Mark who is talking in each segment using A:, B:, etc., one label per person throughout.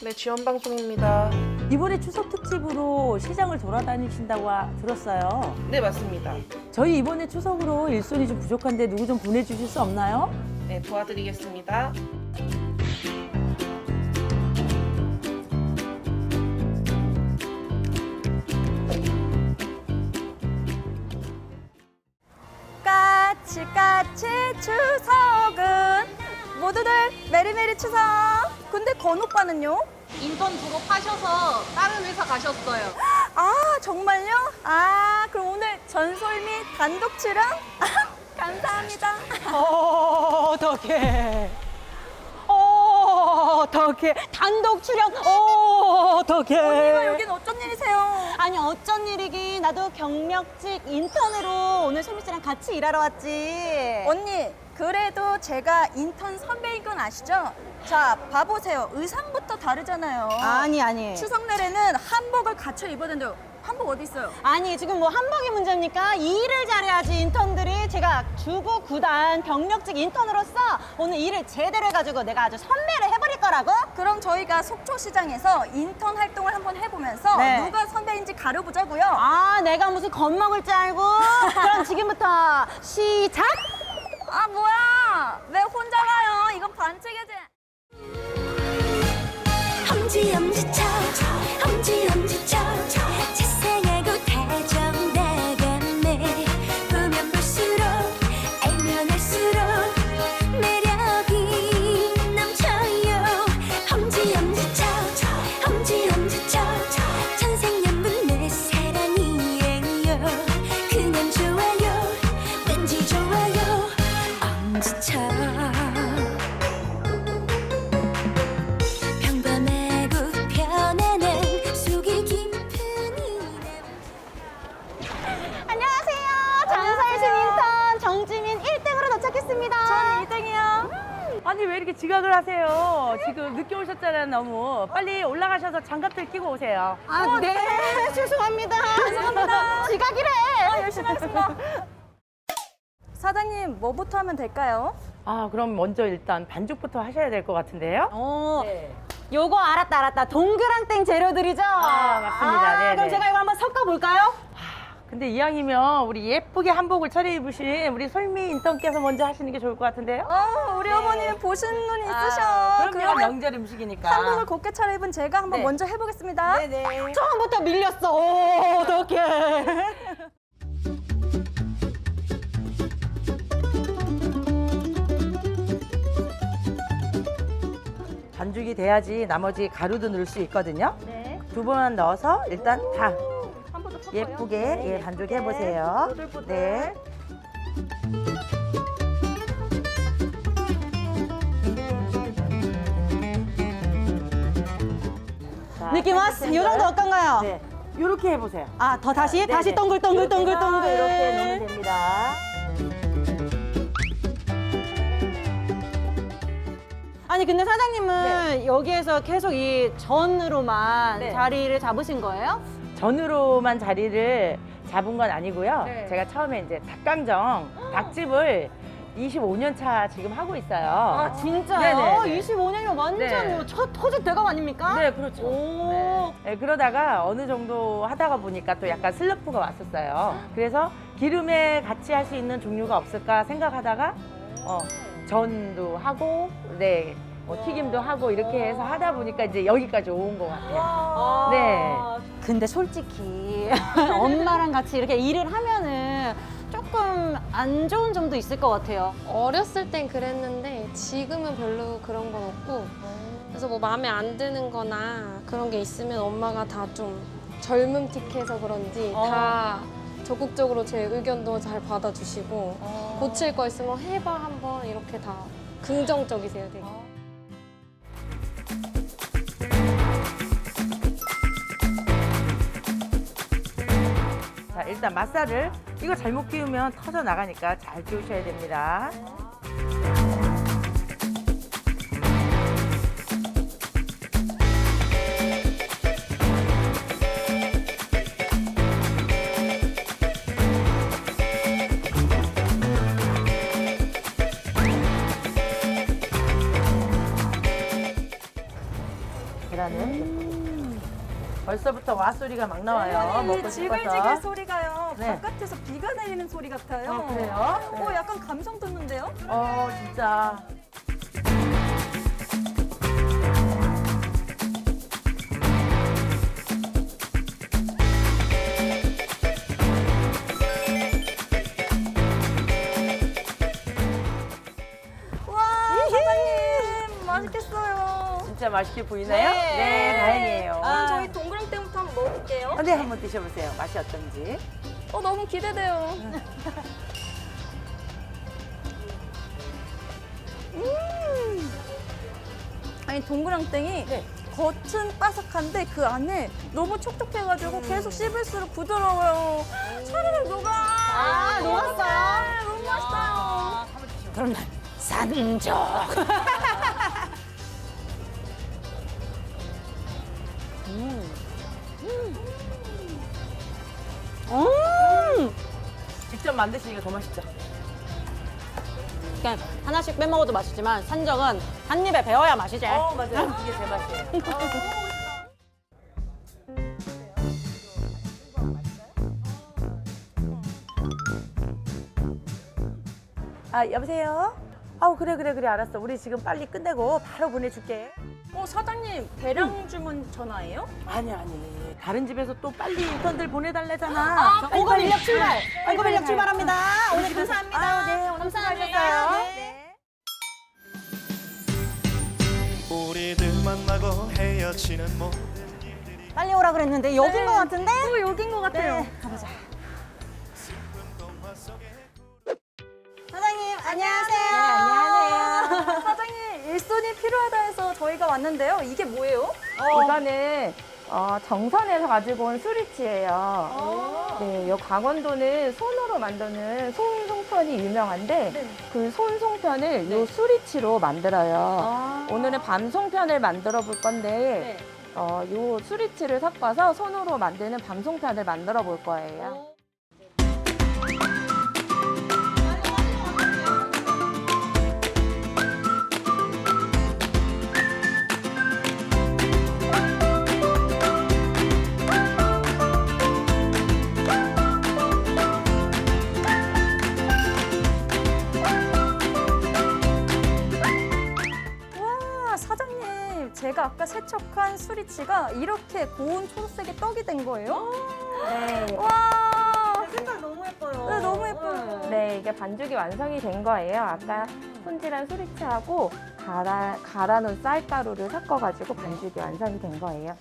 A: 네, 지원방송입니다.
B: 이번에 추석 특집으로 시장을 돌아다니신다고 들었어요.
A: 네, 맞습니다.
B: 저희 이번에 추석으로 일손이 좀 부족한데 누구 좀 보내주실 수 없나요?
A: 네, 도와드리겠습니다.
C: 까치까치 추석은 모두들 메리메리 추석. 근데 건 오빠는요?
D: 인턴 졸업하셔서 다른 회사 가셨어요.
C: 아 정말요? 아 그럼 오늘 전솔미 단독 출연? 감사합니다.
E: 어떡해. 어떡해. 단독 출연. 어떡해.
C: 언니가 여긴 어쩐 일이세요?
E: 아니 어쩐 일이긴. 나도 경력직 인턴으로 오늘 소미 씨랑 같이 일하러 왔지.
C: 언니 그래도 제가 인턴 선배인 건 아시죠? 자 봐보세요. 의상부터 다르잖아요.
E: 아니.
C: 추석 내에는 한복을 갖춰 입어야 된대요. 한복 어디 있어요?
E: 아니 지금 뭐 한복이 문제입니까? 이 일을 잘해야지 인턴들이. 제가 주부 구단 경력직 인턴으로서 오늘 일을 제대로 해가지고 내가 아주 선배를 해버릴 거라고.
C: 그럼 저희가 속초시장에서 인턴 활동을 한번 해보면서
E: 네.
C: 누가 선배인지 가려보자고요.
E: 아 내가 무슨 겁먹을 줄 알고. 그럼 지금부터 시작.
C: 아 뭐야 왜 혼자 가요? 이건 반칙이지.
F: 엄지엄지쳐 엄지엄지쳐 자상하고 다정다감해 보면 볼수록 알면 알수록 매력이 넘쳐요. 엄지엄지쳐 엄지엄지쳐 천생연분 내 사랑이에요. 그냥 좋아요 왠지 좋아요 엄지쳐. 평범하고 편안한 속이 깊은 이남.
E: 안녕하세요. 장사의 신 인턴 정지민 1등으로 도착했습니다.
C: 전 2등이요.
B: 아니 왜 이렇게 지각을 하세요? 지금 늦게 오셨잖아요 너무. 빨리 올라가셔서 장갑들 끼고 오세요.
E: 아, 네. 죄송합니다.
C: 죄송합니다.
E: 지각이래.
C: 열심히 하겠습니다. 사장님 뭐부터 하면 될까요?
B: 아 그럼 먼저 일단 반죽부터 하셔야 될 것 같은데요?
E: 네. 요거 알았다. 동그랑땡 재료들이죠?
B: 맞습니다. 네네.
E: 그럼 제가 이거 한번 섞어볼까요?
B: 근데 이왕이면 우리 예쁘게 한복을 차려입으신 우리 솔미 인턴께서 먼저 하시는 게 좋을 것 같은데요?
C: 우리 어머니는 보시는 눈이 있으셔.
B: 그럼요.
C: 그러면
B: 명절 음식이니까.
C: 한복을 곱게 차려입은 제가 한번
B: 네.
C: 먼저 해보겠습니다.
B: 네네.
E: 처음부터 밀렸어. 어떡해.
B: 반죽이 돼야지 나머지 가루도 넣을 수 있거든요.
C: 네.
B: 두 번 넣어서 일단 다
C: 한 번 더 섞어요.
B: 예쁘게
C: 네,
B: 예, 반죽해 보세요.
C: 보들보들.
B: 네. 자,
E: 느낌 왔어. 요 정도 어떤가요?
B: 네. 이렇게 해보세요.
E: 아, 더 다시?
B: 네네.
E: 다시 동글동글동글동글.
B: 이렇게 넣으면 됩니다.
E: 아니 근데 사장님은 여기에서 계속 이 전으로만
B: 네.
E: 자리를 잡으신 거예요?
B: 전으로만 자리를 잡은 건 아니고요.
C: 네.
B: 제가 처음에 이제 닭강정, 닭집을 25년 차 지금 하고 있어요.
E: 아 진짜요?
B: 네네네.
E: 25년이면 완전
B: 네.
E: 뭐 첫 터질 대감 아닙니까?
B: 네, 그렇죠.
E: 오.
B: 네. 네, 그러다가 어느 정도 하다가 보니까 또 약간 슬럼프가 왔었어요. 그래서 기름에 같이 할 수 있는 종류가 없을까 생각하다가 전도 하고, 네, 튀김도 하고 이렇게 해서 하다 보니까 이제 여기까지 온 것 같아요. 네.
E: 근데 솔직히 엄마랑 같이 이렇게 일을 하면은 조금 안 좋은 점도 있을 것 같아요.
D: 어렸을 땐 그랬는데 지금은 별로 그런 건 없고 그래서 뭐 마음에 안 드는 거나 그런 게 있으면 엄마가 다 좀 젊음틱해서 그런지 다 적극적으로 제 의견도 잘 받아주시고 고칠 거 있으면 해봐 한번 이렇게 다 긍정적이세요 되게.
B: 자, 일단 맛살을 이거 잘못 끼우면 터져 나가니까 잘 끼우셔야 됩니다. 계란을 벌써부터 와 소리가 막 나와요. 먹고
C: 지글지글
B: 싶어서.
C: 소리가요.
B: 네.
C: 바깥에서 비가 내리는 소리 같아요.
B: 그래요? 네.
C: 약간 감성 돋는데요?
B: 진짜.
C: 와, 사장님 맛있겠어요.
B: 진짜 맛있게 보이나요? 네, 다행이에요.
C: 그럼 저희 동그랑땡부터 한번 먹어볼게요.
B: 네, 한번 드셔보세요. 맛이 어떤지.
C: 너무 기대돼요. 아니 동그랑땡이 겉은 바삭한데 그 안에 너무 촉촉해가지고 계속 씹을수록 부드러워요. 차르르 녹아.
E: 녹았어요?
C: 너무 맛있어요.
B: 그럼 난 산적. 직접 만드시니까 더 맛있죠?
E: 그냥 하나씩 빼먹어도 맛있지만 산적은 한 입에 배워야 맛이지.
B: 맞아요. 이게 제 맛이에요. 여보세요? 그래, 알았어. 우리 지금 빨리 끝내고 바로 보내줄게.
C: 사장님 대량 주문 전화예요?
B: 아니. 다른 집에서 또 빨리 인턴들 보내달래잖아.
E: 고급 인력 출발. 고급 인력
B: 가요.
E: 출발합니다. 오늘 감사합니다.
B: 네, 오늘 수고하셨어요. 네.
G: 우리들 만나고 헤어지는 모
E: 빨리 오라 그랬는데 여긴 것 같은데?
C: 여긴 것 같아요.
E: 가보자. 사장님 안녕하세요.
B: 안녕하세요.
C: 사장님 일손이 필요하다 해서 저희가 왔는데요. 이게 뭐예요?
H: 이거는 정선에서 가지고 온 수리치예요. 네, 요 강원도는 손으로 만드는 손송편이 유명한데 그 손송편을 요 수리치로 만들어요. 오늘은 밤송편을 만들어 볼 건데 요 수리치를 섞어서 손으로 만드는 밤송편을 만들어 볼 거예요.
C: 와 사장님 제가 아까 세척한 수리치가 이렇게 고운 초록색의 떡이 된 거예요?
H: 네.
C: 와
E: 색깔 너무 예뻐요.
C: 네, 너무 예뻐요.
H: 네, 이게 반죽이 완성이 된 거예요. 아까 손질한 수리치하고 갈아놓은 쌀가루를 섞어가지고 반죽이 완성이 된 거예요.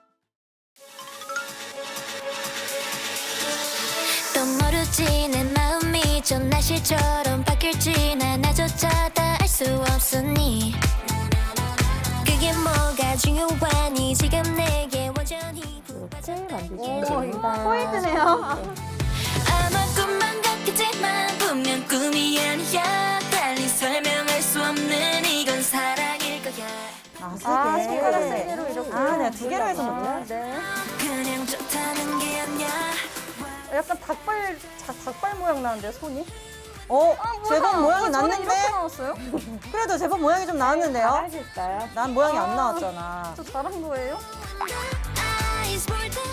F: 또 모르지 내 마음이 좀 날씨처럼 바뀔지 나조차 다 알 수 없으니 그게 뭐가 중요하니 지금 내게 완전히
H: 이렇게 만드시면 됩니다.
E: 포인트네요.
F: 아마 꿈만 같겠지만 분명 꿈이 아니야 달리 설명할 수 없는 이건 사랑일 거야
C: 손가락 세 개로 이렇게.
E: 내가 두 개로 해서 먹네.
C: 네.
F: 그냥 좋다는 게 아니야
C: 약간 닭발 모양 나는데요 손이?
E: 제법 모양이
C: 저는
E: 났는데?
C: 이렇게 나왔어요?
E: 그래도 제법 모양이 좀 나왔는데요?
H: 하실까요?
E: 난 모양이 안 나왔잖아.
C: 저 잘한 거예요?
F: Eyes for the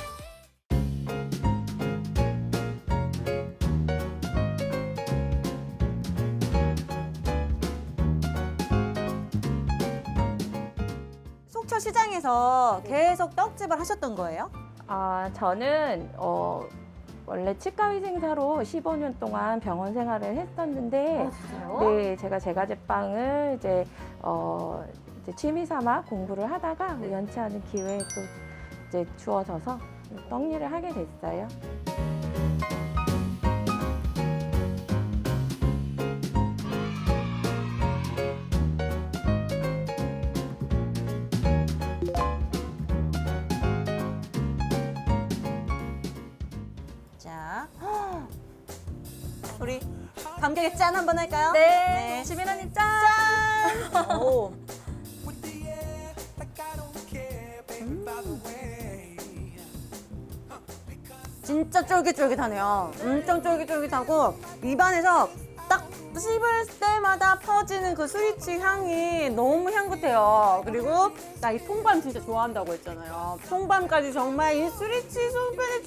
E: 속초 시장에서 계속 떡집을 하셨던 거예요?
H: 저는 원래 치과위생사로 15년 동안 병원 생활을 했었는데, 네, 제가 제과제빵을 이제 취미삼아 공부를 하다가 우연치 않은 기회에 또 이제 주어져서 떡 일을 하게 됐어요.
E: 자, 우리 감격에 짠 한번 할까요?
C: 네. 지민 언니 짠!
E: 오. 진짜 쫄깃쫄깃하네요. 엄청 쫄깃쫄깃하고 입안에서 딱 씹을 때마다 퍼지는 그 수리치 향이 너무 향긋해요. 그리고 나 이 통밤 진짜 좋아한다고 했잖아요. 통밤까지 정말 이 수리치 송편에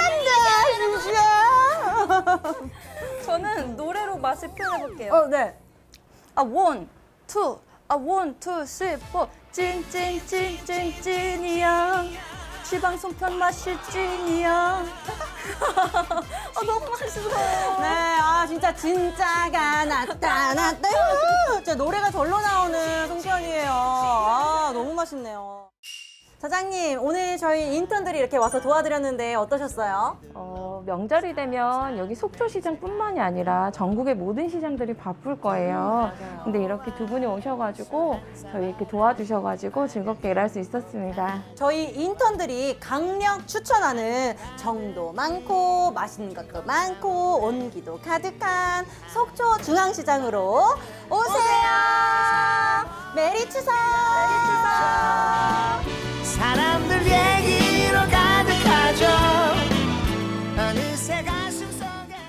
E: 취한다, 진짜.
C: 저는 노래로 맛을 표현해볼게요.
E: 네.
C: 원, 투, 원, 투, 쓰리, 포. 찐이야. 지방 송편 맛이 찐이야. 너무 맛있어요.
E: 네, 진짜 진짜가 나타났다. 진짜 노래가 절로 나오는 송편이에요. 너무 맛있네요. 사장님, 오늘 저희 인턴들이 이렇게 와서 도와드렸는데 어떠셨어요?
H: 명절이 되면 여기 속초시장뿐만이 아니라 전국의 모든 시장들이 바쁠 거예요. 근데 이렇게 두 분이 오셔가지고 저희 이렇게 도와주셔가지고 즐겁게 일할 수 있었습니다.
E: 저희 인턴들이 강력 추천하는 정도 많고 맛있는 것도 많고 온기도 가득한 속초 중앙시장으로 오세요. 메리 추석! 메리 추석!